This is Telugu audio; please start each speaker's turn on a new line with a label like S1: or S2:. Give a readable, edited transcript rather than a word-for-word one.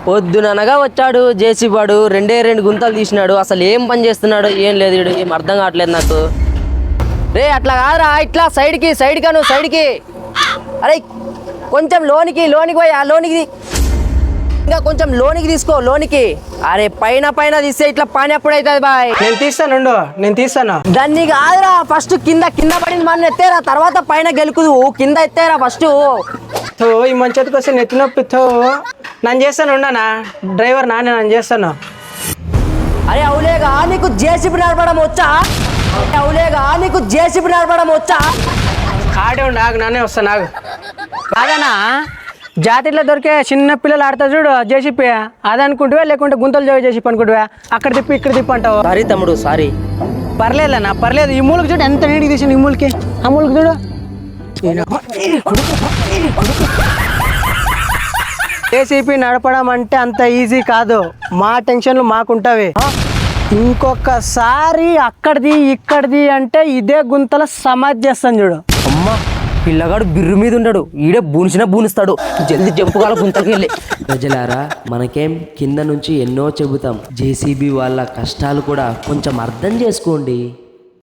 S1: పొద్దుననగా వచ్చాడు జేసీ వాడు 2 గుంతలు తీసినాడు. అసలు ఏం పని చేస్తున్నాడు ఏం లేదు, వీడు ఏం అర్థం కావట్లేదు నాకు. రే అట్లా కాదురా, ఇట్లా సైడ్కి నువ్వు సైడ్కి. అరే కొంచెం లోనికి పోయి ఆ లోనికి ఇంకా కొంచెం లోనికి తీసుకో లోనికి. అరే పైన తీస్తే ఇట్లా పని ఎప్పుడైతుంది బాయ్?
S2: నేను తీస్తాను.
S1: దాన్ని కాదురా, ఫస్ట్ కింద పడింది మన ఎత్తేరా, తర్వాత పైన గెలుకుదు. కింద ఎత్తేరా ఫస్ట్.
S2: ఈ మంచి వస్తే నెత్తి నొప్పితో నేను చేస్తాను. ఉండనా డ్రైవర్ నేను చేస్తాను.
S1: అరే అవులేగా నీకు జేసీబీ నడపడం వచ్చా?
S2: ఆడే ఉండు, ఆగు నానే వస్తాను. నాకు కాదనా జాతీలో దొరికే చిన్న పిల్లలు ఆడతారు చూడు జేసీపీ, అది అనుకుంటువా లేకుంటే గుంతలు జేసీపీ అనుకుంటువా? అక్కడ తిప్పి ఇక్కడ తిప్పి అంటావు.
S1: సారీ తమ్ముడు సారీ.
S2: పర్లేదన్నా పర్లేదు. ఈ మూలకి చూడు ఎంత నీటికి తీసాను. ఈ మూలకి ఆ మూలకి చూడు. జేసీపీ నడపడం అంటే అంత ఈజీ కాదు. మా టెన్షన్లు మాకుంటావి. ఇంకొకసారి అక్కడిది ఇక్కడిది అంటే ఇదే గుంతల సమాధి చేస్తాను చూడు.
S1: అమ్మా పిల్లగాడు బిర్రు మీద ఉన్నాడు, ఈడే బూనిస్తాడు. జల్దీ జంపుగాల గుంతకి వెళ్ళి. ప్రజలారా మనకేం కింద నుంచి ఎన్నో చెబుతాం, జేసీబీ వాళ్ళ కష్టాలు కూడా కొంచెం అర్థం చేసుకోండి.